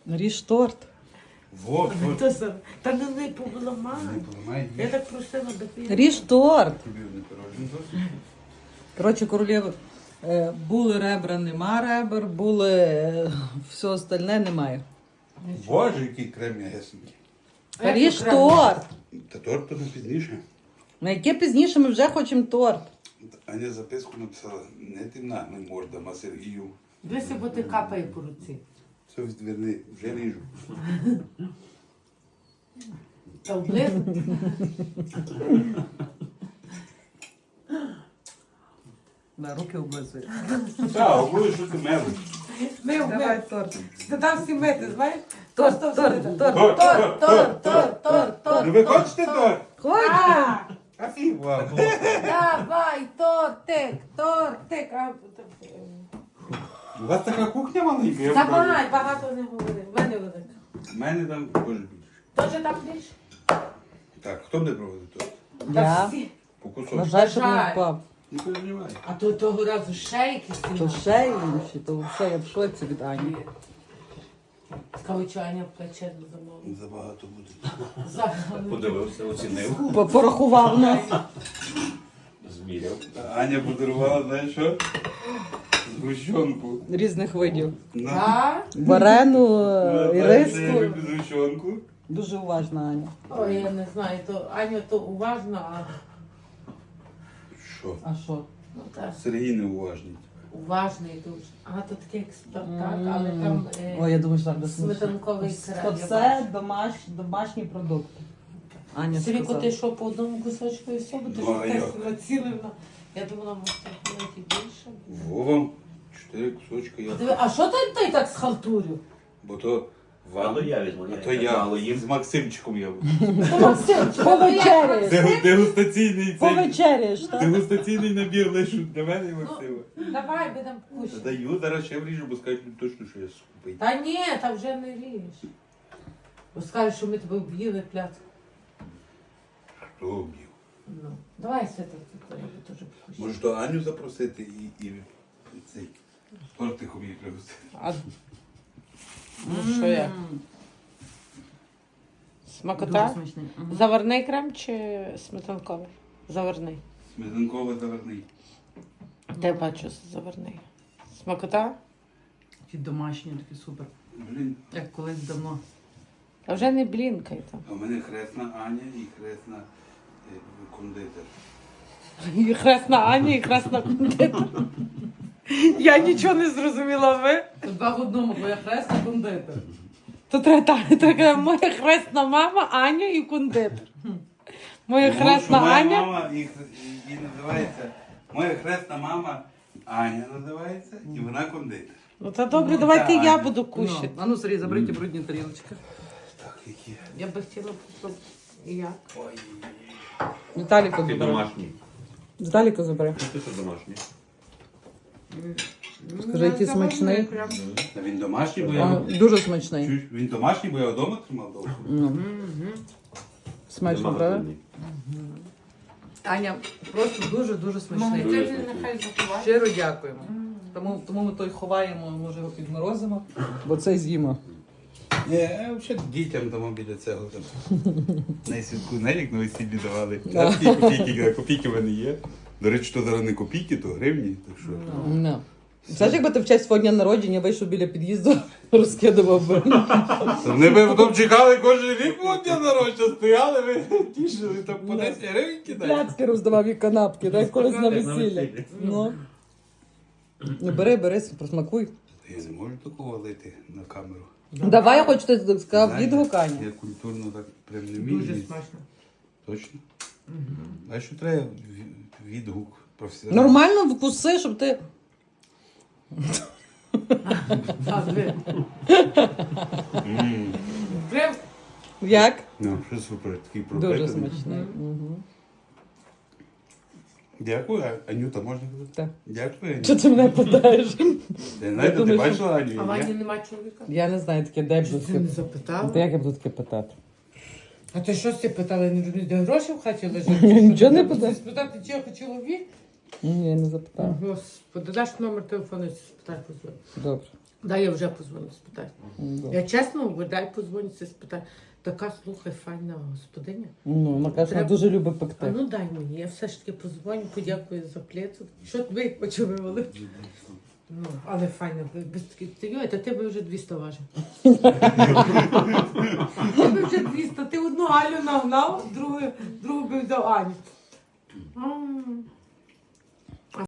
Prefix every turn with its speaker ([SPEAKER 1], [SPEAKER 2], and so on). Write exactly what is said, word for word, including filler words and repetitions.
[SPEAKER 1] Ріж торт.
[SPEAKER 2] Вот, вот.
[SPEAKER 3] То саме. Та не не поламай.
[SPEAKER 2] Не поламай,
[SPEAKER 3] Я
[SPEAKER 2] ні.
[SPEAKER 3] так просила до пів.
[SPEAKER 1] Ріж торт.
[SPEAKER 2] Тобі не пирожен досить.
[SPEAKER 1] Коротше, королєви, е, були ребра, нема ребер, були е, все остальне немає.
[SPEAKER 2] Боже, який крем м'ясенький.
[SPEAKER 3] Як
[SPEAKER 1] Ріж
[SPEAKER 3] окремо.
[SPEAKER 1] торт.
[SPEAKER 2] Та торт то не пізніше.
[SPEAKER 1] На яке пізніше ми вже хочемо торт.
[SPEAKER 2] Аня записку написала, не ти нагнуй морда, а Сергію.
[SPEAKER 3] Дивися, бо ти капає по руці.
[SPEAKER 2] Все відверни, вже ріжу.
[SPEAKER 3] Та облизу.
[SPEAKER 1] Да, руки облизують.
[SPEAKER 2] Так, обуй, що ти мелиш.
[SPEAKER 3] Мив,
[SPEAKER 1] Давай
[SPEAKER 3] мив.
[SPEAKER 1] торт.
[SPEAKER 3] Ти там всі мити, знаєш?
[SPEAKER 1] Торт,
[SPEAKER 3] Просто
[SPEAKER 1] торт,
[SPEAKER 3] всі-
[SPEAKER 1] торт.
[SPEAKER 2] Торт,
[SPEAKER 3] Торт, торт, торт, торт, торт.
[SPEAKER 2] Ну ви хочете торт?
[SPEAKER 1] Ходь.
[SPEAKER 3] А,
[SPEAKER 2] А фіг вам.
[SPEAKER 3] давай, тортик, тортик. А,
[SPEAKER 2] У вас така кухня маленька? я
[SPEAKER 3] Забагай,
[SPEAKER 2] впевнений.
[SPEAKER 3] багато не говори. В мене велика.
[SPEAKER 2] У мене там теж більше.
[SPEAKER 3] Тоже там більше?
[SPEAKER 2] Так, хто буде проводити торт?
[SPEAKER 3] Та
[SPEAKER 1] Я.
[SPEAKER 3] всі.
[SPEAKER 2] По кусочку.
[SPEAKER 1] Бажаю, щоб не
[SPEAKER 3] Бажаю.
[SPEAKER 1] впав.
[SPEAKER 2] Не переживай.
[SPEAKER 3] А то того разу ще якісь
[SPEAKER 1] То
[SPEAKER 3] сильно.
[SPEAKER 1] ще інші, то все, я в шоці від Ані.
[SPEAKER 3] Скавичання плече до замовлення.
[SPEAKER 2] Забагато буде.
[SPEAKER 3] Загально.
[SPEAKER 4] Подивився, оцінив,
[SPEAKER 1] По- Порахував нас.
[SPEAKER 4] зміряв.
[SPEAKER 2] Аня подарувала, знаєш що? Згущенку.
[SPEAKER 1] Різних видів.
[SPEAKER 2] На.
[SPEAKER 3] Так?
[SPEAKER 1] Варену,
[SPEAKER 2] Ну,
[SPEAKER 1] і
[SPEAKER 2] знаєш, я
[SPEAKER 1] риску.
[SPEAKER 2] люблю згущенку.
[SPEAKER 1] Дуже уважна Аня.
[SPEAKER 3] Ой, я не знаю, то Аня то уважна, а
[SPEAKER 2] Що?
[SPEAKER 1] А що?
[SPEAKER 3] ну, та,
[SPEAKER 2] Сергій неуважний.
[SPEAKER 3] уважний дуже. А то такий як Спартак, але там е,
[SPEAKER 1] Ой, я думаю, що так
[SPEAKER 3] сметанковий крем.
[SPEAKER 1] Це домаш, домашні продукти. Аня
[SPEAKER 3] Сиріко,
[SPEAKER 1] сказала.
[SPEAKER 3] ти що по одному кусочку і все, бо ти
[SPEAKER 2] Ну,
[SPEAKER 3] що
[SPEAKER 2] а
[SPEAKER 3] так
[SPEAKER 2] як?
[SPEAKER 3] націлена. Я думала, може навіть і більше.
[SPEAKER 2] Вовам чотири кусочки я.
[SPEAKER 3] Диви, а що ти, ти так схалтурив?
[SPEAKER 2] Бо то
[SPEAKER 4] Мало
[SPEAKER 2] вам,
[SPEAKER 4] я візьму.
[SPEAKER 2] а то я
[SPEAKER 4] Мало їм.
[SPEAKER 2] з Максимчиком я.
[SPEAKER 1] Повечеряєш.
[SPEAKER 2] Дегу- Дегустаційний цей.
[SPEAKER 1] Повечеряєш, так?
[SPEAKER 2] Дегустаційний набір лишу для мене і Максима.
[SPEAKER 3] Давай, будемо кушати.
[SPEAKER 2] Даю, зараз ще вріжу, бо скажуть точно, що я скупий.
[SPEAKER 3] Та ні, та вже не ріж. Бо скажеш, що ми тебе вб'їли пляцку.
[SPEAKER 2] Хто вб'ів?
[SPEAKER 3] Ну, давай свята, я би теж покушаю.
[SPEAKER 2] Може, то Аню запросити і, і, і цей тортиком її пригостити.
[SPEAKER 3] А... Ну, що я? Смакота?
[SPEAKER 1] Дуже смачний. Мгм.
[SPEAKER 3] Заварний крем чи сметанковий? Заварний.
[SPEAKER 2] Сметанково заварний.
[SPEAKER 3] Де бачу заварний. Смакота?
[SPEAKER 1] Ті домашні, такі супер.
[SPEAKER 2] Блін,
[SPEAKER 1] Як колись давно.
[SPEAKER 3] А вже не блінкай там.
[SPEAKER 2] а в мене хресна Аня і хресна е, кондитер.
[SPEAKER 3] І хресна Аня, і хресна кондитер. Я нічого не зрозуміла, ви?
[SPEAKER 1] Це два в одному, бо я хресна кондитер.
[SPEAKER 3] То треба так, така моя хресна мама, Аня і кондитер. Моя
[SPEAKER 2] Тому
[SPEAKER 3] хресна
[SPEAKER 2] що моя
[SPEAKER 3] Аня.
[SPEAKER 2] мама і, і, і називається, моя хресна мама Аня називається, і вона кондитер.
[SPEAKER 3] Ну та добре,
[SPEAKER 2] Ну,
[SPEAKER 3] давайте
[SPEAKER 2] та,
[SPEAKER 3] я
[SPEAKER 2] Аня.
[SPEAKER 3] буду
[SPEAKER 1] Ну,
[SPEAKER 3] кушати.
[SPEAKER 1] а ну, Сергій, забери ті брудні тарілочки.
[SPEAKER 2] Так, які.
[SPEAKER 3] Я би хотіла б і як.
[SPEAKER 2] Ой.
[SPEAKER 1] Віталіка
[SPEAKER 4] Ти
[SPEAKER 1] забери.
[SPEAKER 4] домашній.
[SPEAKER 1] Віталіка забери.
[SPEAKER 4] Ти що домашній?
[SPEAKER 1] Скажи, який смачний.
[SPEAKER 2] Та він домашній, бо
[SPEAKER 1] А,
[SPEAKER 2] я...
[SPEAKER 1] Дуже смачний.
[SPEAKER 2] Чуєш, він домашній, бо я вдома тримав довго.
[SPEAKER 1] Ну. Смачно, правда?
[SPEAKER 4] Домашній.
[SPEAKER 1] Аня, просто дуже-дуже смачний.
[SPEAKER 4] Дуже
[SPEAKER 3] Ти
[SPEAKER 4] смачний.
[SPEAKER 3] нехай заховає.
[SPEAKER 1] Щиро дякуємо. Тому, тому ми той ховаємо, може його підморозимо, бо це з'їмо.
[SPEAKER 2] Ні, я взагалі дітям там біля цього там. На святку, знаєш, як на весіллі давали. А такі копійки, копійки в мене є. До речі, то зараз не копійки, то гривні. Так що.
[SPEAKER 1] No. Знаєш, якби ти в честь свого дня народження вийшов біля під'їзду, розкидував би.
[SPEAKER 2] Та Вони би потім чекали кожен рік мого дня народження, стояли, ви тішили, там по десять гривень кидають.
[SPEAKER 1] Пляцки роздавав і канапки, так колись на
[SPEAKER 4] Як на
[SPEAKER 1] весіллі.
[SPEAKER 4] весіллі.
[SPEAKER 1] Ну. Ну, бери, бери, просмакуй.
[SPEAKER 2] Я не можу такого лити на камеру.
[SPEAKER 1] Давай, я хочу ти сказав
[SPEAKER 2] Знаєте,
[SPEAKER 1] відгук, Аня.
[SPEAKER 2] Я культурно так прям не вмію.
[SPEAKER 3] Дуже
[SPEAKER 2] їсти.
[SPEAKER 3] смачно.
[SPEAKER 2] Точно? А що треба ві- відгук професіонал?
[SPEAKER 1] Нормально вкуси, щоб ти.
[SPEAKER 3] А, ви.
[SPEAKER 2] М,
[SPEAKER 3] Прям
[SPEAKER 1] Як?
[SPEAKER 2] Ну, що супер, такий
[SPEAKER 1] Дуже
[SPEAKER 2] пропитаний.
[SPEAKER 1] смачний. Мгм.
[SPEAKER 2] Дякую, А- Анюта, можна казати?
[SPEAKER 1] Так.
[SPEAKER 2] Дякую, Анюта.
[SPEAKER 1] Що ти мене питаєш?
[SPEAKER 2] Я знаю, ти
[SPEAKER 1] думаю,
[SPEAKER 2] бачила Аню?
[SPEAKER 3] А
[SPEAKER 2] Ні?
[SPEAKER 3] Вані нема чоловіка?
[SPEAKER 1] Я не знаю, таке де
[SPEAKER 3] Що
[SPEAKER 1] б
[SPEAKER 3] ти не
[SPEAKER 1] таке.
[SPEAKER 3] запитала?
[SPEAKER 1] Та як я буду таке питати?
[SPEAKER 3] А ти що ти питала, не розумієш, де гроші в хаті лежать?
[SPEAKER 1] Нічого не питаю.
[SPEAKER 3] Спитати, чи я хочу чоловік?
[SPEAKER 1] Ні, я не запитала.
[SPEAKER 3] Господи, даш номер телефону, спитай позвоню.
[SPEAKER 1] Добре.
[SPEAKER 3] Дай я вже позвоню, спитаю. Я чесно говорю, дай позвоню, спитаю. Така, слухай, файна господиня.
[SPEAKER 1] Ну, вона каже, вона
[SPEAKER 3] Треба-
[SPEAKER 1] дуже любить
[SPEAKER 3] А
[SPEAKER 1] пекти.
[SPEAKER 3] ну дай мені, я все ж таки позвоню, подякую за плецу. Що ви почували? Ну, але файно, ви- без таких ти, та ти би вже двісті важив. Ти би вже двісті, ти одну Алю нагнав, другу, другу би взяв Аню. М.